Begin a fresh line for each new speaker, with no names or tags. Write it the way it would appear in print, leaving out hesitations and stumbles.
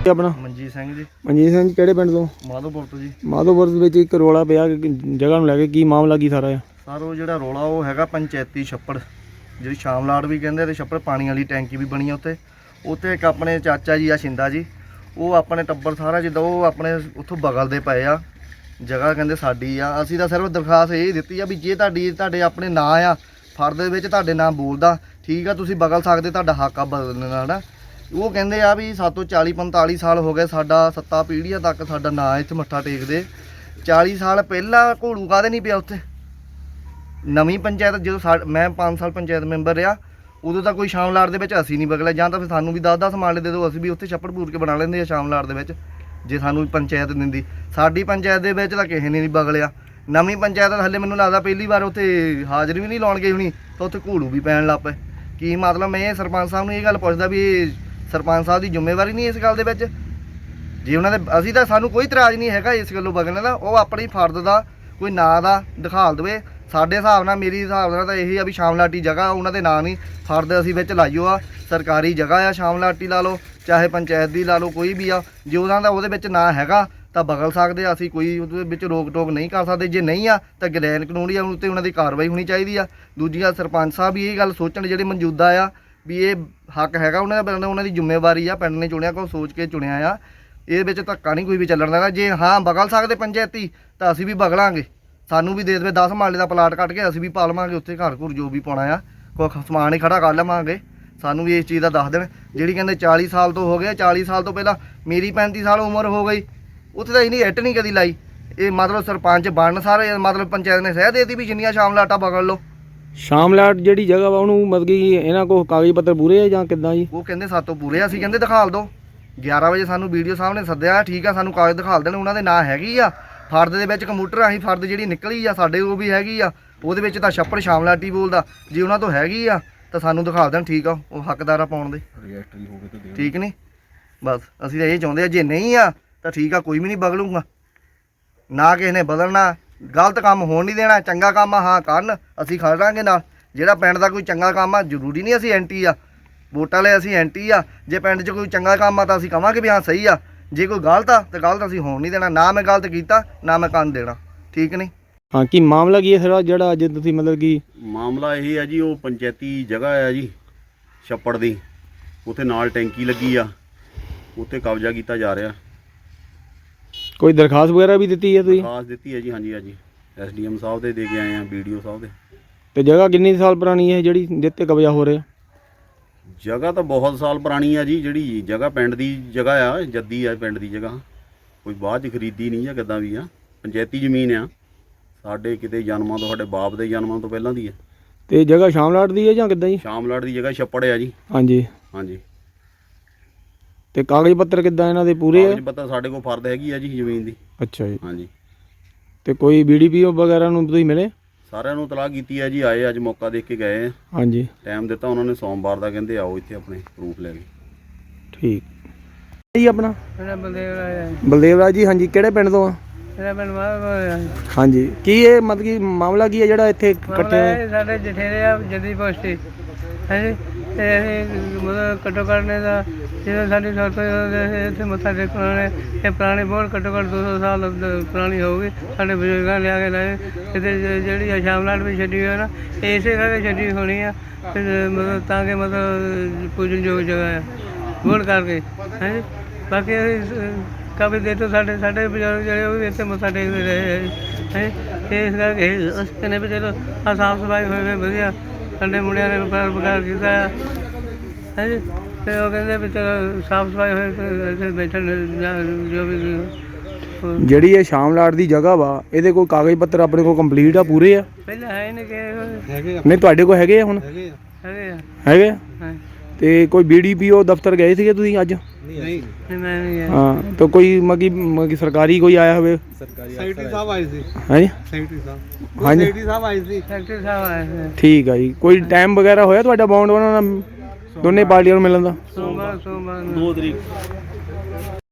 ਆਪਣਾ
ਮਨਜੀਤ ਸਿੰਘ ਜੀ।
ਮਨਜੀਤ ਸਿੰਘ ਜੀ ਕਿਹੜੇ ਪਿੰਡ ਤੋਂ?
ਮਾਧੋਪੁਰ ਤੋਂ ਜੀ।
ਮਾਧੋਪੁਰ ਦੇ ਵਿੱਚ ਇੱਕ ਰੌਲਾ ਪਿਆ ਜਗ੍ਹਾ ਨੂੰ ਲੈ ਕੇ, ਕੀ ਮਾਮਲਾ ਕੀ ਸਾਰਾ ਆ?
ਸਰ ਉਹ ਜਿਹੜਾ ਰੌਲਾ ਉਹ ਹੈਗਾ ਪੰਚਾਇਤੀ ਛੱਪੜ, ਜਿਹੜੀ ਸ਼ਾਮਲਾਟ ਵੀ ਕਹਿੰਦੇ ਤੇ ਛੱਪੜ, ਪਾਣੀ ਵਾਲੀ ਟੈਂਕੀ ਵੀ ਬਣੀ ਉੱਤੇ। ਇੱਕ ਆਪਣੇ ਚਾਚਾ ਜੀ ਆ ਸ਼ਿੰਦਾ ਜੀ, ਉਹ ਆਪਣੇ ਟੱਬਰ ਸਾਰਾ ਜਿੱਦਾਂ ਉਹ ਆਪਣੇ ਉੱਥੋਂ ਬਗਲਦੇ ਪਏ ਆ ਜਗ੍ਹਾ, ਕਹਿੰਦੇ ਸਾਡੀ ਆ। ਅਸੀਂ ਤਾਂ ਸਿਰਫ ਦਰਖਾਸਤ ਇਹ ਦਿੱਤੀ ਆ ਵੀ ਜੇ ਤੁਹਾਡੇ ਆਪਣੇ ਨਾਂ ਆ ਫਰਦ ਦੇ ਵਿੱਚ, ਤੁਹਾਡੇ ਨਾਂ ਬੋਲਦਾ ਠੀਕ ਆ, ਤੁਸੀਂ ਬਗਲ ਸਕਦੇ, ਤੁਹਾਡਾ ਹੱਕ ਆ ਬਦਲਣ ਦਾ। ਉਹ ਕਹਿੰਦੇ ਆ ਵੀ ਸਾਤੋਂ 40-45 ਸਾਲ ਹੋ ਗਏ, ਸਾਡਾ 7 ਪੀੜ੍ਹੀਆਂ ਤੱਕ ਸਾਡਾ ਨਾਂ ਇੱਥੇ ਮੱਥਾ ਟੇਕਦੇ। 40 ਸਾਲ ਪਹਿਲਾਂ ਘੋੜੂ ਕਾਹਦੇ ਨਹੀਂ ਪਿਆ ਉੱਥੇ? ਨਵੀਂ ਪੰਚਾਇਤ ਜਦੋਂ ਮੈਂ 5 ਸਾਲ ਪੰਚਾਇਤ ਮੈਂਬਰ ਰਿਹਾ, ਉਦੋਂ ਤਾਂ ਕੋਈ ਸ਼ਾਮਲਾਟ ਦੇ ਵਿੱਚ ਅਸੀਂ ਨਹੀਂ ਬਗਲਿਆ। ਜਾਂ ਤਾਂ ਫਿਰ ਸਾਨੂੰ ਵੀ 10-10 ਮਾਲੇ ਦੇ ਦਿਓ, ਅਸੀਂ ਵੀ ਉੱਥੇ ਛੱਪੜ ਪੂਰ ਕੇ ਬਣਾ ਲੈਂਦੇ ਆ ਸ਼ਾਮਲਾਟ ਦੇ ਵਿੱਚ, ਜੇ ਸਾਨੂੰ ਪੰਚਾਇਤ ਦਿੰਦੀ। ਸਾਡੀ ਪੰਚਾਇਤ ਦੇ ਵਿੱਚ ਤਾਂ ਕਿਸੇ ਨੇ ਨਹੀਂ ਬਗਲਿਆ। ਨਵੀਂ ਪੰਚਾਇਤ ਹਲੇ ਮੈਨੂੰ ਲੱਗਦਾ ਪਹਿਲੀ ਵਾਰ ਉੱਥੇ ਹਾਜ਼ਰੀ ਵੀ ਨਹੀਂ ਲਾਉਣ ਗਈ ਹੋਣੀ, ਤਾਂ ਉੱਥੇ ਘੋੜੂ ਵੀ ਪੈਣ ਲੱਗ ਪਏ। ਕੀ ਮਤਲਬ? ਮੈਂ ਸਰਪੰਚ ਸਾਹਿਬ ਨੂੰ ਇਹ ਗੱਲ ਪੁੱਛਦਾ ਵੀ ਇਹ ਸਰਪੰਚ ਸਾਹਿਬ ਦੀ ਜ਼ਿੰਮੇਵਾਰੀ ਨਹੀਂ ਇਸ ਗੱਲ ਦੇ ਵਿੱਚ? ਜੇ ਉਹਨਾਂ ਦੇ ਅਸੀਂ ਤਾਂ ਸਾਨੂੰ ਕੋਈ ਇਤਰਾਜ਼ ਨਹੀਂ ਹੈਗਾ ਇਸ ਗੱਲੋਂ ਬਗਲਣ ਦਾ, ਉਹ ਆਪਣੀ ਫਰਦ ਦਾ ਕੋਈ ਨਾਂ ਦਾ ਦਿਖਾਲ ਦੇਵੇ। ਸਾਡੇ ਹਿਸਾਬ ਨਾਲ, ਮੇਰੀ ਹਿਸਾਬ ਨਾਲ ਤਾਂ ਇਹੀ ਆ ਵੀ ਸ਼ਾਮਲਾਟੀ ਜਗ੍ਹਾ ਉਹਨਾਂ ਦੇ ਨਾਂ ਨਹੀਂ, ਫਰਦ ਅਸੀਂ ਵਿੱਚ ਲਾਈਓ ਆ। ਸਰਕਾਰੀ ਜਗ੍ਹਾ ਆ, ਸ਼ਾਮਲਾਟੀ ਲਾ ਲਓ ਚਾਹੇ ਪੰਚਾਇਤ ਦੀ ਲਾ ਲਓ, ਕੋਈ ਵੀ ਆ। ਜੇ ਉਹਨਾਂ ਦਾ ਉਹਦੇ ਵਿੱਚ ਨਾਂ ਹੈਗਾ ਤਾਂ ਬਗਲ ਸਕਦੇ ਆ, ਅਸੀਂ ਕੋਈ ਉਹਦੇ ਵਿੱਚ ਰੋਕ ਟੋਕ ਨਹੀਂ ਕਰ ਸਕਦੇ। ਜੇ ਨਹੀਂ ਆ ਤਾਂ ਗਲੈਨ ਕਾਨੂੰਨੀ ਆ, ਉੱਤੇ ਉਹਨਾਂ ਦੀ ਕਾਰਵਾਈ ਹੋਣੀ ਚਾਹੀਦੀ ਆ। ਦੂਜੀ ਗੱਲ, ਸਰਪੰਚ ਸਾਹਿਬ ਵੀ ਇਹ ਗੱਲ ਸੋਚਣ ਜਿਹੜੇ ਮੌਜੂਦਾ ਆ ਵੀ ਇਹ ਹੱਕ ਹੈਗਾ ਉਹਨਾਂ ਦਾ, ਉਹਨਾਂ ਦੀ ਜ਼ਿੰਮੇਵਾਰੀ ਆ, ਪਿੰਡ ਨੇ ਚੁਣਿਆ ਕੋ ਸੋਚ ਕੇ ਚੁਣਿਆ ਆ। ਇਹਦੇ ਵਿੱਚ ਧੱਕਾ ਨਹੀਂ ਕੋਈ ਵੀ ਚੱਲਣ ਦੇਣਾ। ਜੇ ਹਾਂ ਬਗਲ ਸਕਦੇ ਪੰਚਾਇਤੀ ਤਾਂ ਅਸੀਂ ਵੀ ਬਗਲਾਂਗੇ, ਸਾਨੂੰ ਵੀ ਦੇ ਦੇਵੇ 10 ਮਾਲੇ ਦਾ ਪਲਾਟ ਕੱਟ ਕੇ, ਅਸੀਂ ਵੀ ਪਾ ਲਵਾਂਗੇ ਉੱਥੇ ਘਰ ਘੁਰ ਜੋ ਵੀ ਪਾਉਣਾ ਆ, ਕੋਈ ਸਮਾਨ ਹੀ ਖੜਾ ਕਰ ਲਵਾਂਗੇ। ਸਾਨੂੰ ਵੀ ਇਸ ਚੀਜ਼ ਦਾ ਦੱਸ ਦੇਣ। ਜਿਹੜੀ ਕਹਿੰਦੇ 40 ਸਾਲ ਤੋਂ ਹੋ ਗਏ, 40 ਸਾਲ ਤੋਂ ਪਹਿਲਾਂ ਮੇਰੀ 35 ਸਾਲ ਉਮਰ ਹੋ ਗਈ, ਉੱਥੇ ਤਾਂ ਇਹਨੀ ਇੱਟ ਨਹੀਂ ਕਦੀ ਲਾਈ। ਇਹ ਮਤਲਬ ਸਰਪੰਚ ਬਣਨ ਸਾਰੇ ਮਤਲਬ ਪੰਚਾਇਤ ਨੇ ਸਹਿ ਦੇਤੀ ਵੀ ਜਿੰਨੀਆਂ ਸ਼ਾਮਲਾਟਾਂ ਬਗਲ ਲਓ।
ਸ਼ਾਮਲਾਟ ਜਿਹੜੀ ਜਗ੍ਹਾ ਵਾ ਉਹਨੂੰ ਮਤਲਬ ਕਿ ਇਹਨਾਂ ਕੋਲ ਕਾਗਜ਼ ਪੱਤਰ ਪੂਰੇ ਆ ਜਾਂ ਕਿੱਦਾਂ ਜੀ?
ਉਹ ਕਹਿੰਦੇ ਸਾਤੋਂ ਪੂਰੇ ਆ। ਅਸੀਂ ਕਹਿੰਦੇ ਦਿਖਾਲ ਦਿਓ। 11 ਵਜੇ ਸਾਨੂੰ ਵੀਡੀਓ ਸਾਹਿਬ ਨੇ ਸੱਦਿਆ, ਠੀਕ ਆ, ਸਾਨੂੰ ਕਾਗਜ਼ ਦਿਖਾਲ ਦੇਣ, ਉਹਨਾਂ ਦੇ ਨਾਂ ਹੈਗੀ ਆ ਫਰਦ ਦੇ ਵਿੱਚ। ਕੰਪਿਊਟਰ ਆਹੀਂ ਫਰਦ ਜਿਹੜੀ ਨਿਕਲੀ ਆ ਸਾਡੇ ਉਹ ਵੀ ਹੈਗੀ ਆ, ਉਹਦੇ ਵਿੱਚ ਤਾਂ ਛੱਪੜ ਸ਼ਾਮਲਾਟੀ ਬੋਲਦਾ। ਜੇ ਉਹਨਾਂ ਤੋਂ ਹੈਗੀ ਆ ਤਾਂ ਸਾਨੂੰ ਦਿਖਾ ਦੇਣ, ਠੀਕ ਆ, ਉਹ ਹੱਕਦਾਰ ਆ ਪਾਉਣ ਦੇ, ਠੀਕ ਨਹੀਂ? ਬਸ ਅਸੀਂ ਤਾਂ ਇਹ ਚਾਹੁੰਦੇ ਆ। ਜੇ ਨਹੀਂ ਆ ਤਾਂ ਠੀਕ ਆ, ਕੋਈ ਵੀ ਨਹੀਂ ਬਗਲੂਗਾ, ਨਾ ਕਿਸੇ ਨੇ ਬਦਲਣਾ। ਗਲਤ ਕੰਮ ਹੋਣ ਨਹੀਂ ਦੇਣਾ। ਚੰਗਾ ਕੰਮ ਆ ਹਾਂ ਕਰਨ, ਅਸੀਂ ਖੜਾਂਗੇ ਨਾਲ। ਜਿਹੜਾ ਪਿੰਡ ਦਾ ਕੋਈ ਚੰਗਾ ਕੰਮ ਆ, ਜ਼ਰੂਰੀ ਨਹੀਂ ਅਸੀਂ ਐਂਟੀ ਆ, ਵੋਟਾਂ ਲਈ ਅਸੀਂ ਐਂਟੀ ਆ। ਜੇ ਪਿੰਡ 'ਚ ਕੋਈ ਚੰਗਾ ਕੰਮ ਆ ਤਾਂ ਅਸੀਂ ਕਹਾਂਗੇ ਵੀ ਹਾਂ ਸਹੀ ਆ। ਜੇ ਕੋਈ ਗਲਤ ਆ ਤਾਂ ਗਲਤ ਅਸੀਂ ਹੋਣ ਨਹੀਂ ਦੇਣਾ। ਨਾ ਮੈਂ ਗਲਤ ਕੀਤਾ, ਨਾ ਮੈਂ ਕੰਨ ਦੇਣਾ, ਠੀਕ ਨਹੀਂ?
ਹਾਂ, ਕੀ ਮਾਮਲਾ ਕੀ ਹੈ ਸਰ ਜਿਹੜਾ ਅੱਜ ਤੁਸੀਂ ਮਤਲਬ ਕਿ?
ਮਾਮਲਾ ਇਹ ਹੈ ਜੀ, ਉਹ ਪੰਚਾਇਤੀ ਜਗ੍ਹਾ ਆ ਜੀ ਛੱਪੜ ਦੀ, ਉੱਥੇ ਨਾਲ ਟੈਂਕੀ ਲੱਗੀ ਆ, ਉੱਥੇ ਕਬਜ਼ਾ ਕੀਤਾ ਜਾ ਰਿਹਾ।
ਕੋਈ ਦਰਖਾਸਤ ਵਗੈਰਾ ਵੀ ਦਿੱਤੀ ਹੈ ਤੁਸੀਂ?
ਦਰਖਾਸਤ ਦਿੱਤੀ ਹੈ ਜੀ, ਹਾਂਜੀ ਹਾਂਜੀ, SDM ਸਾਹਿਬ ਦੇ ਦੇ ਕੇ ਆਏ ਆ, BDO ਸਾਹਿਬ ਦੇ।
ਤੇ ਜਗ੍ਹਾ ਕਿੰਨੀ ਸਾਲ ਪੁਰਾਣੀ ਹੈ ਜਿਹੜੀ ਜਿੱਤੇ ਕਬਜ਼ਾ ਹੋ ਰਿਹਾ?
ਜਗ੍ਹਾ ਤਾਂ ਬਹੁਤ ਸਾਲ ਪੁਰਾਣੀ ਆ ਜੀ। ਜਿਹੜੀ ਜਗ੍ਹਾ ਪਿੰਡ ਦੀ ਜਗ੍ਹਾ ਆ, ਜੱਦੀ ਆ ਪਿੰਡ ਦੀ ਜਗ੍ਹਾ, ਕੋਈ ਬਾਅਦ 'ਚ ਖਰੀਦੀ ਨਹੀਂ ਆ, ਕਿੱਦਾਂ ਵੀ ਆ, ਪੰਚਾਇਤੀ ਜ਼ਮੀਨ ਆ। ਸਾਡੇ ਕਿਤੇ ਜਨਮਾਂ ਤੋਂ, ਸਾਡੇ ਬਾਪ ਦੇ ਜਨਮਾਂ ਤੋਂ ਪਹਿਲਾਂ ਦੀ ਆ।
ਤੇ ਜਗ੍ਹਾ ਸ਼ਾਮਲਾਟ ਦੀ ਹੈ ਜਾਂ ਕਿੱਦਾਂ ਜੀ?
ਸ਼ਾਮਲਾਟ ਦੀ ਜਗ੍ਹਾ ਛੱਪੜ ਆ ਜੀ।
ਹਾਂਜੀ
ਹਾਂਜੀ।
ਤੇ ਕਾਗਜ਼ ਪੱਤਰ ਕਿੱਦਾਂ ਇਹਨਾਂ ਦੇ ਪੂਰੇ ਆ?
ਕਾਗਜ਼ ਪੱਤਰ ਸਾਡੇ ਕੋਲ ਫਰਦ ਹੈਗੀ ਆ ਜੀ ਜ਼ਮੀਨ ਦੀ।
ਅੱਛਾ ਜੀ।
ਹਾਂਜੀ।
ਤੇ ਕੋਈ BDPO ਵਗੈਰਾ ਨੂੰ ਤੁਸੀਂ ਮਿਲੇ?
ਸਾਰਿਆਂ ਨੂੰ ਤਲਾਹ ਕੀਤੀ ਹੈ ਜੀ, ਆਏ ਅੱਜ ਮੌਕਾ ਦੇਖ ਕੇ ਗਏ ਆ।
ਹਾਂਜੀ।
ਟਾਈਮ ਦਿੱਤਾ ਉਹਨਾਂ ਨੇ, ਸੋਮਵਾਰ ਦਾ ਕਹਿੰਦੇ ਆਓ ਇੱਥੇ ਆਪਣੇ ਪ੍ਰੂਫ ਲੈ ਕੇ।
ਠੀਕ ਜੀ। ਆਪਣਾ
ਬਲਦੇਵ
ਬਲਦੇਵ ਰਾਜ ਜੀ। ਹਾਂਜੀ, ਕਿਹੜੇ ਪਿੰਡ ਤੋਂ ਆ? ਹਾਂਜੀ, ਕੀ ਇਹ ਮਤਲਬ ਕਿ ਮਾਮਲਾ ਕੀ ਹੈ ਜਿਹੜਾ ਇੱਥੇ ਇਕੱਠੇ ਹੋਏ?
ਸਾਡੇ ਜਠੇਰੇ ਆ ਜੱਦੀ ਪੋਸਟੀ ਹਾਂਜੀ, ਤੇ ਅਸੀਂ ਮਤਲਬ ਘੱਟੋ ਘੱਟ ਨੇ ਦਾ ਜਦੋਂ ਸਾਡੀ ਸੜਕ ਇੱਥੇ ਮੱਥਾ ਟੇਕਣ ਨੇ, ਇਹ ਪੁਰਾਣੀ ਬਹੁਤ ਘੱਟੋ ਘੱਟ 200 ਸਾਲ ਪੁਰਾਣੀ ਹੋਊਗੀ। ਸਾਡੇ ਬਜ਼ੁਰਗਾਂ ਲਿਆ ਕੇ ਲਾਏ ਇੱਥੇ, ਜਿਹੜੀ ਆ ਸ਼ਾਮਲਾਟ ਵੀ ਛੱਡੀ ਹੋਈ ਨਾ, ਇਹ ਇਸੇ ਕਰਕੇ ਛੱਡੀ ਹੋਣੀ ਆ ਮਤਲਬ ਤਾਂ ਕਿ ਮਤਲਬ ਪੂਜਨਯੋਗ ਜਗ੍ਹਾ ਆ ਵੋਟ ਕਰਕੇ ਹਾਂਜੀ। ਬਾਕੀ ਅਸੀਂ ਕਾਫੀ ਦੇਰ ਤੋਂ ਸਾਡੇ ਬਜ਼ੁਰਗ ਜਿਹੜੇ ਉਹ ਵੀ ਇੱਥੇ ਮੱਥਾ ਟੇਕਦੇ ਰਹੇ ਹੈ। ਇਸ ਕਰਕੇ ਅਸੀਂ ਕਹਿੰਦੇ ਵੀ ਚਲੋ ਆਹ ਸਾਫ਼ ਸਫਾਈ ਹੋਏ ਵਧੀਆ, ਸਾਡੇ ਮੁੰਡਿਆਂ ਨੇ ਵਪਾਰ ਕੀਤਾ ਹਾਂਜੀ। ਅਤੇ ਉਹ ਕਹਿੰਦੇ ਵੀ ਚਲੋ ਸਾਫ਼ ਸਫਾਈ ਹੋਏ ਇੱਥੇ ਬੈਠਣ ਜੋ ਵੀ।
ਜਿਹੜੀ ਇਹ ਸ਼ਾਮਲਾਟ ਦੀ ਜਗ੍ਹਾ ਵਾ, ਇਹਦੇ ਕੋਈ ਕਾਗਜ਼ ਪੱਤਰ ਆਪਣੇ ਕੋਲ ਕੰਪਲੀਟ ਆ, ਪੂਰੇ ਆ?
ਪਹਿਲਾਂ ਹੈ ਨਹੀਂ ਕਿ
ਨਹੀਂ, ਤੁਹਾਡੇ ਕੋਲ ਹੈਗੇ ਆ ਹੁਣ? ਹੈਗੇ ਆ। ਤੇ ਕੋਈ BDPO ਦਫ਼ਤਰ ਗਏ ਸੀਗੇ ਤੁਸੀਂ ਅੱਜ?
ਨਹੀਂ, ਮੈਂ ਨਹੀਂ ਗਿਆ।
ਹਾਂ, ਤਾਂ ਕੋਈ ਮਗੀ ਸਰਕਾਰੀ ਕੋਈ ਆਇਆ ਹੋਵੇ?
ਸੈਕਟਰੀ ਸਾਹਿਬ ਆਏ ਸੀ।
ਹਾਂਜੀ,
ਸੈਕਟਰੀ ਸਾਹਿਬ।
ਹਾਂਜੀ,
ਸੈਕਟਰੀ ਸਾਹਿਬ ਆਏ ਸੀ। ਸੈਕਟਰੀ ਸਾਹਿਬ ਆਏ ਸੀ।
ਠੀਕ ਆ ਜੀ। ਕੋਈ ਟਾਈਮ ਵਗੈਰਾ ਹੋਇਆ ਤੁਹਾਡਾ ਬੌਂਡ ਬਣਾਉਣਾ ਦੋਨੇ ਪਾਰਟੀਆਂ ਨੂੰ ਮਿਲਣ ਦਾ?
ਸੋਮਵਾਰ 2 ਤਰੀਕ।